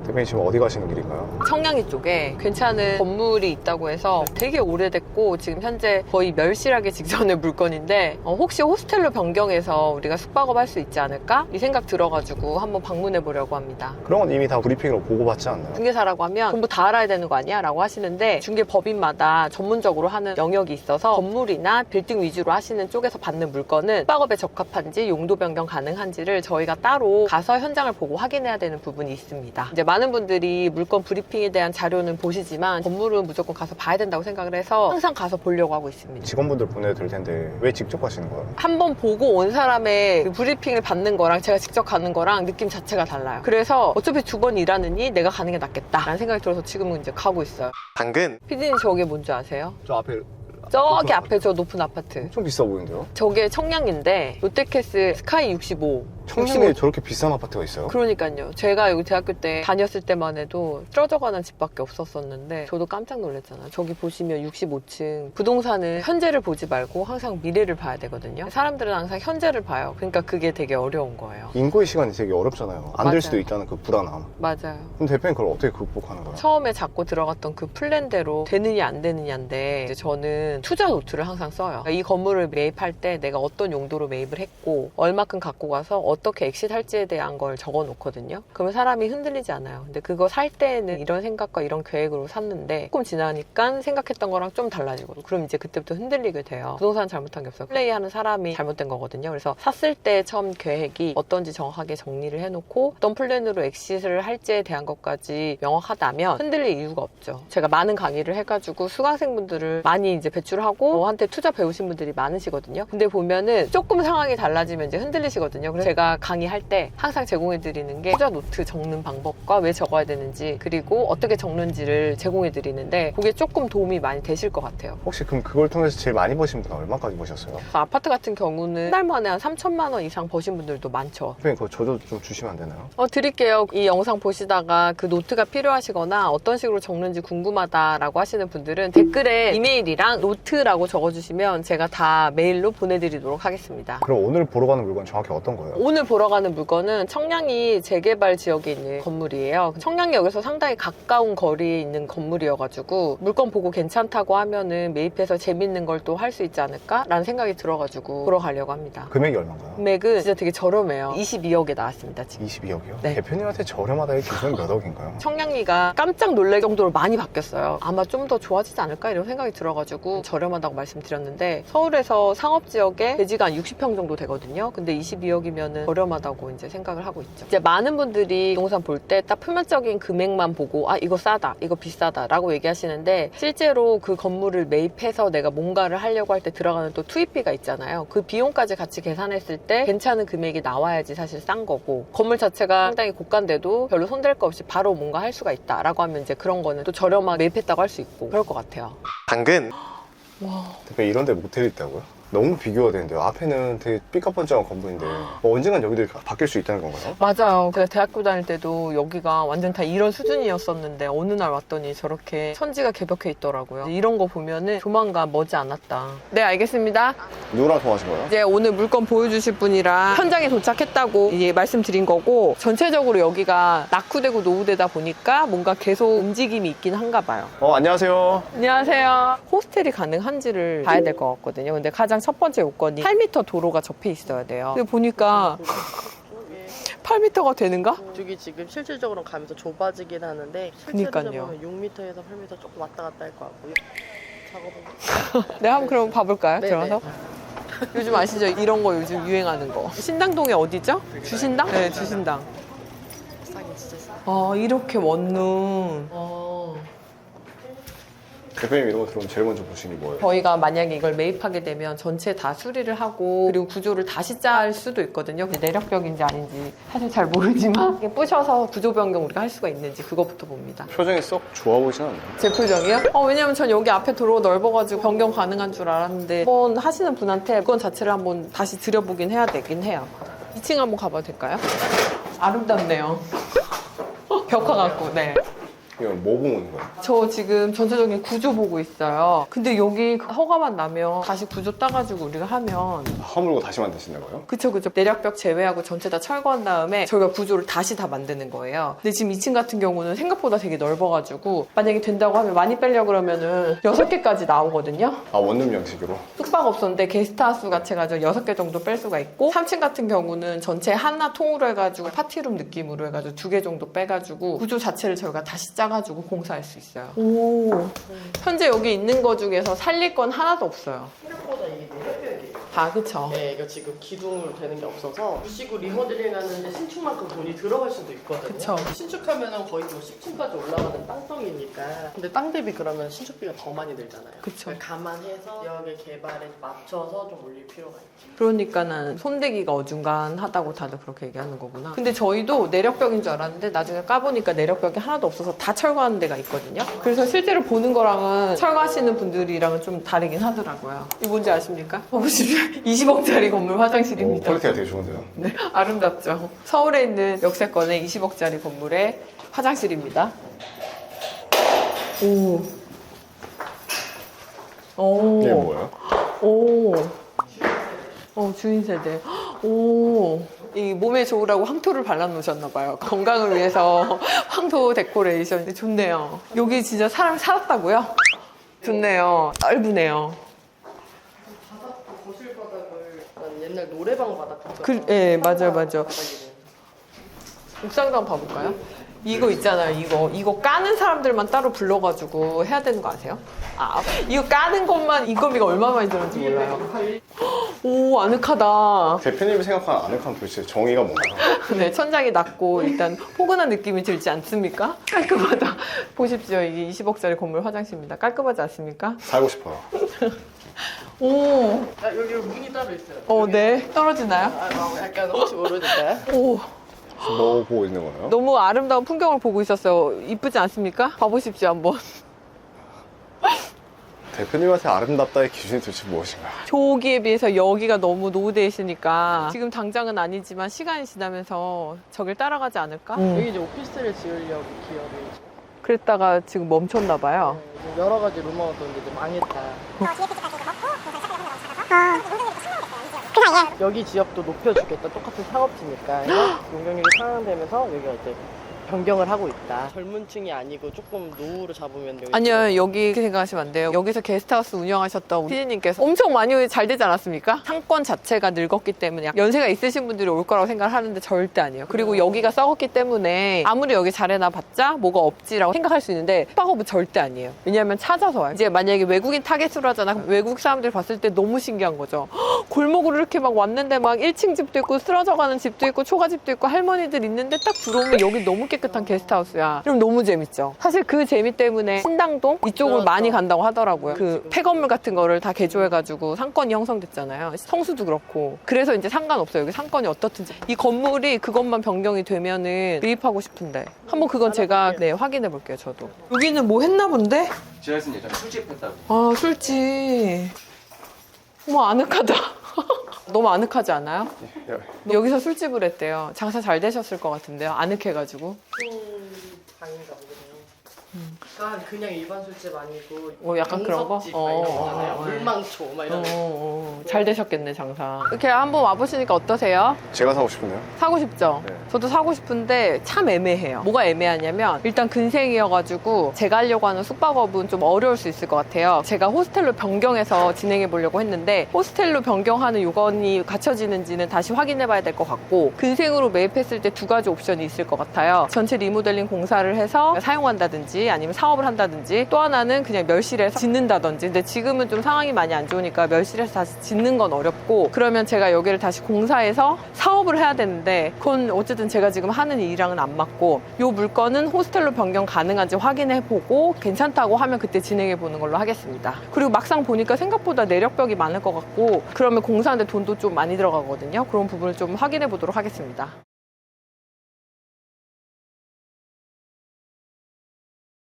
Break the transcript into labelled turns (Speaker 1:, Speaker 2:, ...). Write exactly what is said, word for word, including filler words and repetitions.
Speaker 1: 대표님 지금 어디 가시는 길인가요?
Speaker 2: 청량리 쪽에 괜찮은 건물이 있다고 해서 되게 오래됐고 지금 현재 거의 멸실하기 직전의 물건인데 어, 혹시 호스텔로 변경해서 우리가 숙박업 할 수 있지 않을까? 이 생각 들어가지고 한번 방문해 보려고 합니다.
Speaker 1: 그런 건 이미 다 브리핑으로 보고받지 않나요?
Speaker 2: 중개사라고 하면 전부 다 알아야 되는 거 아니야? 라고 하시는데 중개법인마다 전문적으로 하는 영역이 있어서 건물이나 빌딩 위주로 하시는 쪽에서 받는 물건은 숙박업에 적합한지 용도 변경 가능한지를 저희가 따로 가서 현장을 보고 확인해야 되는 부분이 있습니다. 이제 많은 분들이 물건 브리핑에 대한 자료는 보시지만 건물은 무조건 가서 봐야 된다고 생각을 해서 항상 가서 보려고 하고 있습니다.
Speaker 1: 직원분들 보내도 될 텐데 왜 직접 가시는 거예요?
Speaker 2: 한번 보고 온 사람의 그 브리핑을 받는 거랑 제가 직접 가는 거랑 느낌 자체가 달라요. 그래서 어차피 두 번 일하느니 내가 가는 게 낫겠다 라는 생각이 들어서 지금은 이제 가고 있어요.
Speaker 1: 당근!
Speaker 2: 피디님 저게 뭔지 아세요?
Speaker 1: 저 앞에
Speaker 2: 저기 앞에 저 높은 아파트.
Speaker 1: 엄청 비싸 보이는데요?
Speaker 2: 저게 청량리인데 롯데캐슬 스카이 육십오.
Speaker 1: 청량리에 저렇게 비싼 아파트가 있어요?
Speaker 2: 그러니까요. 제가 여기 대학교 때 다녔을 때만 해도 쪄져가는 집밖에 없었었는데 저도 깜짝 놀랐잖아요. 저기 보시면 육십오 층 부동산은 현재를 보지 말고 항상 미래를 봐야 되거든요. 사람들은 항상 현재를 봐요. 그러니까 그게 되게 어려운 거예요.
Speaker 1: 인고의 시간이 되게 어렵잖아요. 안
Speaker 2: 맞아요.
Speaker 1: 될 수도 있다는 그 불안함.
Speaker 2: 맞아요.
Speaker 1: 그럼 대표님 그걸 어떻게 극복하는 거예요?
Speaker 2: 처음에 잡고 들어갔던 그 플랜대로 되느냐 안 되느냐인데 이제 저는 투자 노트를 항상 써요. 그러니까 이 건물을 매입할 때 내가 어떤 용도로 매입을 했고 얼마큼 갖고 가서 어떻게 엑시트 할지에 대한 걸 적어 놓거든요. 그러면 사람이 흔들리지 않아요. 근데 그거 살 때는 이런 생각과 이런 계획으로 샀는데 조금 지나니까 생각했던 거랑 좀 달라지고 그럼 이제 그때부터 흔들리게 돼요. 부동산 잘못한 게 없어요. 플레이하는 사람이 잘못된 거거든요. 그래서 샀을 때 처음 계획이 어떤지 정확하게 정리를 해놓고 어떤 플랜으로 엑시트를 할지에 대한 것까지 명확하다면 흔들릴 이유가 없죠. 제가 많은 강의를 해가지고 수강생분들을 많이 이제 배출하고 저한테 투자 배우신 분들이 많으시거든요. 근데 보면은 조금 상황이 달라지면 이제 흔들리시거든요. 그래서 제가 강의할 때 항상 제공해드리는 게 투자 노트 적는 방법과 왜 적어야 되는지 그리고 어떻게 적는지를 제공해드리는데 그게 조금 도움이 많이 되실 것 같아요.
Speaker 1: 혹시 그럼 그걸 통해서 제일 많이 버신 분은 얼마까지 버셨어요?
Speaker 2: 아파트 같은 경우는 한 달 만에 한 삼천만 원 이상 버신 분들도 많죠.
Speaker 1: 대표님 그거 저도 좀 주시면 안 되나요?
Speaker 2: 어, 드릴게요. 이 영상 보시다가 그 노트가 필요하시거나 어떤 식으로 적는지 궁금하다라고 하시는 분들은 댓글에 이메일이랑 노트라고 적어주시면 제가 다 메일로 보내드리도록 하겠습니다.
Speaker 1: 그럼 오늘 보러 가는 물건 정확히 어떤 거예요?
Speaker 2: 오늘 보러 가는 물건은 청량리 재개발 지역에 있는 건물이에요. 청량리역에서 상당히 가까운 거리에 있는 건물이어가지고 물건 보고 괜찮다고 하면은 매입해서 재밌는 걸 또 할 수 있지 않을까라는 생각이 들어가지고 보러 가려고 합니다.
Speaker 1: 금액이 얼마인가요?
Speaker 2: 금액은 진짜 되게 저렴해요. 이십이억에 나왔습니다, 지금.
Speaker 1: 이십이억이요?
Speaker 2: 네.
Speaker 1: 대표님한테 저렴하다의 기준은 몇 억인가요?
Speaker 2: 청량리가 깜짝 놀랄 정도로 많이 바뀌었어요. 아마 좀 더 좋아지지 않을까 이런 생각이 들어가지고 저렴하다고 말씀드렸는데 서울에서 상업지역에 대지가 한 육십 평 정도 되거든요. 근데 이십이억이면은 저렴하다고 이제 생각을 하고 있죠. 이제 많은 분들이 부동산 볼 때 딱 표면적인 금액만 보고 아 이거 싸다 이거 비싸다 라고 얘기하시는데 실제로 그 건물을 매입해서 내가 뭔가를 하려고 할 때 들어가는 또 투입비가 있잖아요. 그 비용까지 같이 계산했을 때 괜찮은 금액이 나와야지 사실 싼 거고 건물 자체가 상당히 고가인데도 별로 손댈 거 없이 바로 뭔가 할 수가 있다 라고 하면 이제 그런 거는 또 저렴하게 매입했다고 할 수 있고 그럴 것 같아요.
Speaker 1: 당근!
Speaker 2: 와.
Speaker 1: 대표님 이런 데 모텔이 있다고요? 너무 비교가 되는데요. 앞에는 되게 삐까뻔쩍한 건물인데 뭐 언젠간 여기들이 바뀔 수 있다는 건가요?
Speaker 2: 맞아요. 제가 대학교 다닐 때도 여기가 완전 다 이런 수준이었었는데 어느 날 왔더니 저렇게 천지가 개벽해 있더라고요. 이런 거 보면은 조만간 머지 않았다. 네, 알겠습니다.
Speaker 1: 누구랑 통화하신 거예요?
Speaker 2: 이제 오늘 물건 보여주실 분이랑 현장에 도착했다고 이제 말씀드린 거고 전체적으로 여기가 낙후되고 노후되다 보니까 뭔가 계속 움직임이 있긴 한가 봐요.
Speaker 1: 어 안녕하세요.
Speaker 2: 안녕하세요. 호스텔이 가능한지를 봐야 될 것 같거든요. 근데 가장 첫 번째 요건이 팔 미터 도로가 접해 있어야 돼요. 근데 보니까 팔 미터가 되는가?
Speaker 3: 이쪽이 지금 실질적으로 가면서 좁아지긴 하는데
Speaker 2: 그니까요.
Speaker 3: 실제로 보면 육 미터에서 팔 미터 조금 왔다 갔다 할 것 같고요. 작업은
Speaker 2: 네, 한번 그럼 봐볼까요?
Speaker 3: 네네.
Speaker 2: 들어가서? 요즘 아시죠? 이런 거 요즘 유행하는 거. 신당동에 어디죠? 주신당? 네, 주신당.
Speaker 3: 싸긴 진짜 싸.
Speaker 2: 아, 이렇게 원룸. 어.
Speaker 1: 대표님 이런 거 들어오면 제일 먼저 보시는 게 뭐예요?
Speaker 2: 저희가 만약에 이걸 매입하게 되면 전체 다 수리를 하고 그리고 구조를 다시 짤 수도 있거든요. 근데 내력적인지 아닌지 사실 잘 모르지만 이게 부셔서 구조 변경 우리가 할 수가 있는지 그거부터 봅니다.
Speaker 1: 표정이 썩 좋아 보이진 않나요?
Speaker 2: 제 표정이요? 어, 왜냐면 전 여기 앞에 도로가 넓어가지고 변경 가능한 줄 알았는데 한번 하시는 분한테 물건 자체를 한번 다시 들여보긴 해야 되긴 해요. 이 층 한번 가봐도 될까요? 아름답네요. 벽화 같고, 네.
Speaker 1: 이건 뭐 보고 오는 거예요?
Speaker 2: 저 지금 전체적인 구조 보고 있어요. 근데 여기 허가만 나면 다시 구조 따가지고 우리가 하면
Speaker 1: 허물고 다시 만드신다고요?
Speaker 2: 그쵸 그쵸 내력벽 제외하고 전체 다 철거한 다음에 저희가 구조를 다시 다 만드는 거예요. 근데 지금 이 층 같은 경우는 생각보다 되게 넓어가지고 만약에 된다고 하면 많이 빼려고 그러면은 여섯 개까지 나오거든요.
Speaker 1: 아, 원룸 양식으로?
Speaker 2: 숙박업소인데 게스트하우스 같이 해가지고 여섯 개 정도 뺄 수가 있고 삼 층 같은 경우는 전체 하나 통으로 해가지고 파티룸 느낌으로 해가지고 두 개 정도 빼가지고 구조 자체를 저희가 다시 짜가지고 공사할 수 있어요. 오, 현재 여기 있는 거 중에서 살릴 건 하나도 없어요.
Speaker 3: 생각보다 이게 내력벽이에요.
Speaker 2: 아 그쵸.
Speaker 3: 네, 이거 지금 기둥으로 되는 게 없어서 부시고 리모델링 하는데 신축만큼 돈이 들어갈 수도 있거든요.
Speaker 2: 그쵸.
Speaker 3: 신축하면은 거의 뭐 십 층까지 올라가는 땅덩이니까. 근데 땅 대비 그러면 신축비가 더 많이 들잖아요.
Speaker 2: 그쵸.
Speaker 3: 그러니까 감안해서 지역의 개발에 맞춰서 좀 올릴 필요가 있죠.
Speaker 2: 그러니까는 손대기가 어중간하다고 다들 그렇게 얘기하는 거구나. 근데 저희도 내력벽인 줄 알았는데 나중에 까보니까 내력벽이 하나도 없어서 다 철거하는 데가 있거든요. 그래서 실제로 보는 거랑은 철거하시는 분들이랑은 좀 다르긴 하더라고요. 이거 뭔지 아십니까? 봐보시면 이십억짜리 건물
Speaker 1: 오,
Speaker 2: 화장실입니다.
Speaker 1: 퀄리티가 되게 좋은데요?
Speaker 2: 네, 아름답죠. 서울에 있는 역세권의 이십억짜리 건물의 화장실입니다. 오. 오.
Speaker 1: 이게 뭐예요?
Speaker 2: 오. 어, 주인 세대. 오. 이 몸에 좋으라고 황토를 발라놓으셨나봐요. 건강을 위해서 황토 데코레이션. 좋네요. 여기 진짜 사람 살았다고요? 좋네요. 넓으네요.
Speaker 3: 바닥도 거실 바닥을 난 옛날 노래방 바닥 같죠?
Speaker 2: 그, 예, 맞아요, 맞아요.
Speaker 3: 바닥이네.
Speaker 2: 옥상도 한번 봐볼까요? 이거 있잖아요, 이거. 이거 까는 사람들만 따로 불러가지고 해야 되는 거 아세요? 아, 이거 까는 것만 인건비가 얼마 많이 들었는지 몰라요. 오, 아늑하다.
Speaker 1: 대표님이 생각하는 아늑한 도대체 정의가 뭔가요?
Speaker 2: 네, 천장이 낮고 일단 포근한 느낌이 들지 않습니까? 깔끔하다. 보십시오, 이게 이십억짜리 건물 화장실입니다. 깔끔하지 않습니까?
Speaker 1: 살고 싶어요.
Speaker 2: 오,
Speaker 3: 아, 여기 문이 따로 있어요.
Speaker 2: 어, 네. 떨어지나요?
Speaker 3: 아, 아, 약간 혹시 모르니까.
Speaker 2: 오,
Speaker 1: 뭐 보고 있는 거예요?
Speaker 2: 너무 아름다운 풍경을 보고 있었어요. 이쁘지 않습니까? 봐보십시오, 한번.
Speaker 1: 대표님한테 아름답다의 기준이 도대체 무엇인가요?
Speaker 2: 저기에 비해서 여기가 너무 노후되어 있으니까 지금 당장은 아니지만 시간이 지나면서 저길 따라가지 않을까?
Speaker 3: 여기 이제 오피스텔을 지으려고 기업이
Speaker 2: 그랬다가 지금 멈췄나 봐요.
Speaker 3: 네, 지금 여러 가지 루머가 있는데 이제 망했다. 여기 지역도 높여주겠다. 똑같은 상업지니까. 그래서 용적률이 상향되면서 여기가 이제 변경을 하고 있다. 젊은 층이 아니고 조금 노후로 잡으면 여기
Speaker 2: 아니요, 여기 이렇게 생각하시면 안 돼요. 여기서 게스트하우스 운영하셨던 피디님께서 엄청 많이 잘 되지 않았습니까? 상권 자체가 늙었기 때문에 연세가 있으신 분들이 올 거라고 생각을 하는데 절대 아니에요. 그리고 여기가 썩었기 때문에 아무리 여기 잘해놔봤자 뭐가 없지라고 생각할 수 있는데 숙박업은 절대 아니에요. 왜냐하면 찾아서 와요. 이제 만약에 외국인 타겟으로 하잖아. 그럼 외국 사람들이 봤을 때 너무 신기한 거죠. 헉, 골목으로 이렇게 막 왔는데 막 일 층 집도 있고 쓰러져가는 집도 있고 초가집도 있고 할머니들 있는데 딱 들어오면 여기 너무 깨끗한 게스트하우스야. 그럼 너무 재밌죠. 사실 그 재미 때문에 신당동 이쪽으로
Speaker 3: 그렇죠.
Speaker 2: 많이 간다고 하더라고요. 그 폐건물 같은 거를 다 개조해가지고 상권이 형성됐잖아요. 성수도 그렇고. 그래서 이제 상관없어요. 여기 상권이 어떻든지. 이 건물이 그것만 변경이 되면은 매입하고 싶은데. 한번 그건 제가 네, 확인해 볼게요, 저도. 여기는 뭐 했나 본데?
Speaker 4: 지하에서 예전에 술집 했다고.
Speaker 2: 아, 술집. 어머, 아늑하다. 너무 아늑하지 않아요?
Speaker 1: 야,
Speaker 2: 여기서 술집을 했대요. 장사 잘 되셨을 것 같은데요. 아늑해가지고.
Speaker 3: 방인가 보네요. 그러니까 그냥 일반 술집 아니고
Speaker 2: 어, 약간 그런 거?
Speaker 3: 정석집
Speaker 2: 어,
Speaker 3: 막 이런
Speaker 2: 어,
Speaker 3: 거잖아요.
Speaker 2: 어, 어.
Speaker 3: 물망초 막
Speaker 2: 어,
Speaker 3: 이런 거.
Speaker 2: 어, 잘 되셨겠네, 장사. 이렇게 한번 와보시니까 어떠세요?
Speaker 1: 제가 사고 싶은데요?
Speaker 2: 사고 싶죠?
Speaker 1: 네.
Speaker 2: 저도 사고 싶은데 참 애매해요. 뭐가 애매하냐면 일단 근생이어가지고 제가 하려고 하는 숙박업은 좀 어려울 수 있을 것 같아요. 제가 호스텔로 변경해서 진행해 보려고 했는데 호스텔로 변경하는 요건이 갖춰지는지는 다시 확인해 봐야 될 것 같고 근생으로 매입했을 때 두 가지 옵션이 있을 것 같아요. 전체 리모델링 공사를 해서 사용한다든지 아니면 사업을 한다든지 또 하나는 그냥 멸실해서 짓는다든지. 근데 지금은 좀 상황이 많이 안 좋으니까 멸실해서 다시 짓는 건 어렵고 그러면 제가 여기를 다시 공사해서 사업을 해야 되는데 그건 어쨌든 제가 지금 하는 일이랑은 안 맞고 요 물건은 호스텔로 변경 가능한지 확인해 보고 괜찮다고 하면 그때 진행해 보는 걸로 하겠습니다. 그리고 막상 보니까 생각보다 내력벽이 많을 것 같고 그러면 공사하는데 돈도 좀 많이 들어가거든요. 그런 부분을 좀 확인해 보도록 하겠습니다.